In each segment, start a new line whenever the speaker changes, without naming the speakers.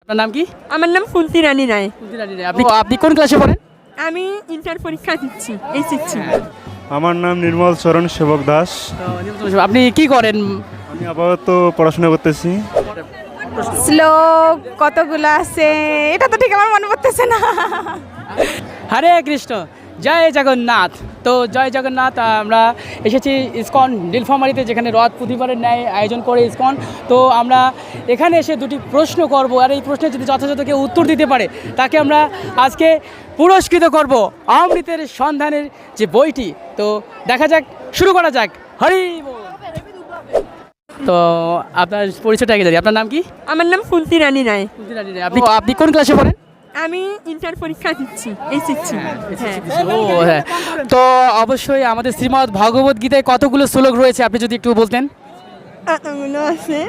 আপনার নাম কি?
আমার নাম ফুলতি রানী রায়।
আপনি কোন ক্লাসে পড়েন?
আমি ইন্টার পরীক্ষা দিচ্ছি, এইচএসসি।
আমার নাম নির্মল চরণ সেবক দাস।
আপনি কি করেন?
আমি আপাতত পড়াশোনা করতেছি।
শ্লোক কতগুলো আছে এটা তো ঠিক আমার মনে পড়তেছে না।
হরে কৃষ্ণ, জয় জগন্নাথ। তো জয় জগন্নাথ, আমরা এসেছি ইসকন নীলফামারীতে, যেখানে রথ প্রতিবারের ন্যায় আয়োজন করে ইসকন। তো আমরা এখানে এসে দুটি প্রশ্ন করব, আর এই প্রশ্নের যদি যথাযথ কেউ উত্তর দিতে পারে তাকে আমরা আজকে পুরস্কৃত করব অমৃতের সন্ধানের যে বইটি। তো দেখা যাক, শুরু করা যাক। হরি বল। তো আপনার পরিচয়টা আগে জানি, আপনার নাম কি?
আমার নাম ফুলতি রানী রায়।
আপনি কোন ক্লাসে পড়েন?
আমি ইন্টার পরীক্ষা দিচ্ছি, এইচএসসি।
ও হ্যাঁ, তো অবশ্যই আমাদের শ্রীমদ্ ভগবত গীতায় কতগুলো শ্লোক রয়েছে আপনি যদি একটু বলতেন।
মনে আছে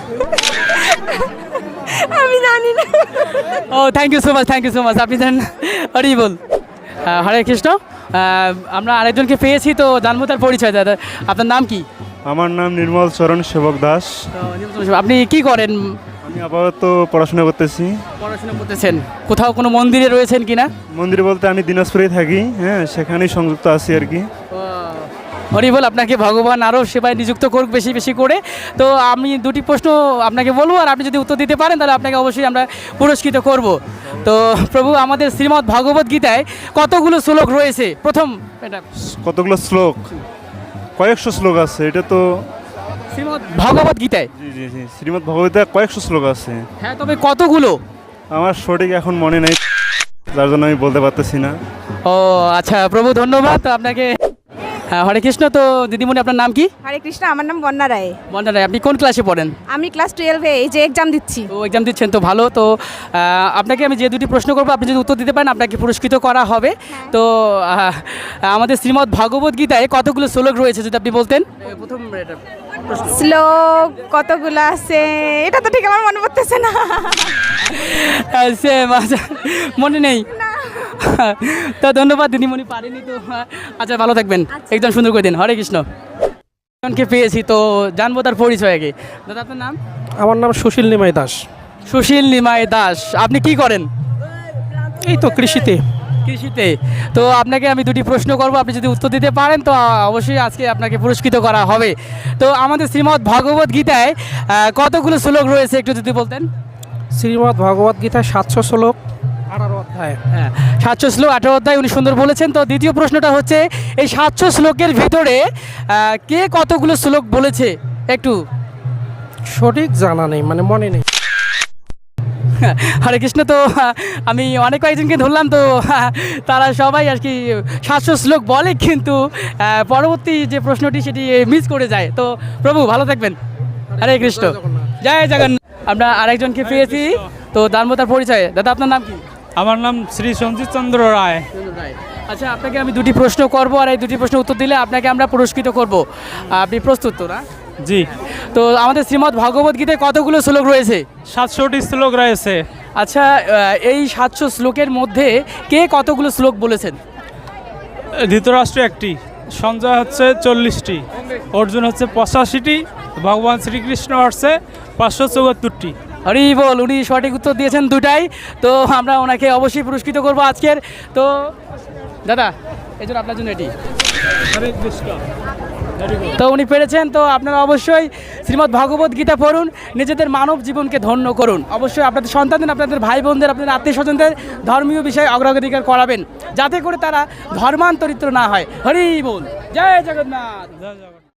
আমি জানি না।
Oh thank you so much, thank you so much. আপনি জানেন? হরি বল। হরে কৃষ্ণ। আমরা আরেকজনকে পেয়েছি, তো জানবো তার পরিচয়। দাদা, আপনার নাম কি?
আমার নাম নির্মল চরণ সেবক দাস।
আপনি কি করেন?
আমি আপাতত পড়াশোনা করতেছি।
পড়াশোনা করতেছেন? কোথাও কোনো মন্দিরে রয়েছেন কিনা?
মন্দিরে বলতে আমি দিনাজপুরেই থাকি, হ্যাঁ, সেখানেই সংযুক্ত আছি আর কি।
হরি বল। আপনাকে ভগবান আরও সেবায় নিযুক্ত করুক বেশি বেশি করে। তো আমি দুটি প্রশ্ন আপনাকে বলবো, আর আপনি যদি উত্তর দিতে পারেন তাহলে আপনাকে অবশ্যই আমরা পুরস্কৃত করব। তো প্রভু, আমাদের শ্রীমদ্ ভগবত গীতায় কতগুলো শ্লোক রয়েছে? প্রথম এটা
কতগুলো শ্লোক? কয়েকশো শ্লোক আছে, এটা তো।
শ্রীমদ্ ভগবত গীতায়?
জি জি জি, শ্রীমদ্ ভগবতে কয়েকশো শ্লোক আছে।
হ্যাঁ, তবে কতগুলো?
আমার সঠিক এখন মনে নেই, যার জন্য আমি বলতে পারতেছি না।
ও আচ্ছা, প্রভু ধন্যবাদ আপনাকে। হ্যাঁ, হরে কৃষ্ণ। তো দিদিমণি, আপনার নাম কি?
হরে কৃষ্ণ, আমার নাম বন্যা রায়।
বন্যা রায়। আপনি কোন ক্লাসে পড়েন?
আমি ক্লাস 12-এ এই যে এক্সাম দিচ্ছি।
তো এক্সাম দিচ্ছেন, তো ভালো। তো আপনাকে আমি যে দুটি প্রশ্ন করবো, আপনি যদি উত্তর দিতে পারেন আপনাকে পুরস্কৃত করা হবে। তো আমাদের শ্রীমদ্ ভগবত গীতায় কতগুলো শ্লোক রয়েছে যদি আপনি বলতেন। প্রথম
শ্লোক কতগুলো আছে এটা তো ঠিক আমার মনে পড়তেছে না।
মনে নেই? তো ধন্যবাদ দিদিমণি, পারেনি তো। আচ্ছা, ভালো থাকবেন, একদম সুন্দর করে দিন। হরে কৃষ্ণ। একজনকে পেয়েছি, তো জানবো তার পরিচয় আগে। দাদা, আপনার নাম?
আমার নাম সুশীল নিমাই দাস।
সুশীল নিমাই দাস। আপনি কি করেন?
এই তো কৃষিতে।
কৃষিতে। তো আপনাকে আমি দুটি প্রশ্ন করব, আপনি যদি উত্তর দিতে পারেন তো অবশ্যই আজকে আপনাকে পুরস্কৃত করা হবে। তো আমাদের শ্রীমদ্ ভগবত গীতায় কতগুলো শ্লোক রয়েছে একটু যদি বলতেন।
শ্রীমদ্ ভগবত গীতায় 700 শ্লোক, 18 অধ্যায়।
হ্যাঁ, 700 শ্লোক, 18 অধ্যায়, উনি সুন্দর বলেছেন। তো দ্বিতীয় প্রশ্নটা হচ্ছে, এই 700 শ্লোকের ভিতরে কে কতগুলো শ্লোক বলেছে একটু?
সঠিক জানা নেই, মানে মনে নেই।
হরে কৃষ্ণ। তো আমি অনেক কয়েকজনকে ধরলাম, তো তারা সবাই আর কি 700 শ্লোক বলে, কিন্তু পরবর্তী যে প্রশ্নটি সেটি মিস করে যায়। তো প্রভু ভালো থাকবেন। হরে কৃষ্ণ, জয় জগন্নাথ। আমরা আরেকজনকে পেয়েছি, তো জানবো তার পরিচয়। দাদা, আপনার নাম কি?
আমার নাম শ্রী সঞ্জিত চন্দ্র রায়।
আচ্ছা, আপনাকে আমি দুটি প্রশ্ন করব, আর এই দুটি প্রশ্নের উত্তর দিলে আপনাকে আমরা পুরস্কৃত করব। আপনি প্রস্তুত তো না?
জি।
তো আমাদের শ্রীমদ্ ভগবত গীতায় কতগুলো শ্লোক রয়েছে?
700টি শ্লোক রয়েছে।
আচ্ছা, এই 700 শ্লোকের মধ্যে কে কতগুলো শ্লোক বলেছেন?
ধৃতরাষ্ট্র একটি, সঞ্জয় হচ্ছে 40টি, অর্জুন হচ্ছে 85টি, ভগবান শ্রীকৃষ্ণ হচ্ছে 574টি।
হরি বল। উনি সঠিক উত্তর দিয়েছেন দুটাই। তো আমরা ওনাকে অবশ্যই পুরস্কৃত করব আজকের। তো দাদা, এই জন্য আপনার জন্য এটি।
হরে কৃষ্ণ।
তো উনি পেরেছেন। তো আপনারা অবশ্যই শ্রীমদ্ ভগবত গীতা পড়ুন, নিজেদের মানব জীবনকে ধন্য করুন। অবশ্যই আপনাদের সন্তানদের, আপনাদের ভাই বোনদের, আপনাদের আত্মীয় স্বজনদের ধর্মীয় বিষয়ে অগ্রাধিকার করাবেন, যাতে করে তারা ধর্মান্তরিত না হয়। হরি বল। জয় জগন্নাথ।
জয় জগন্নাথ।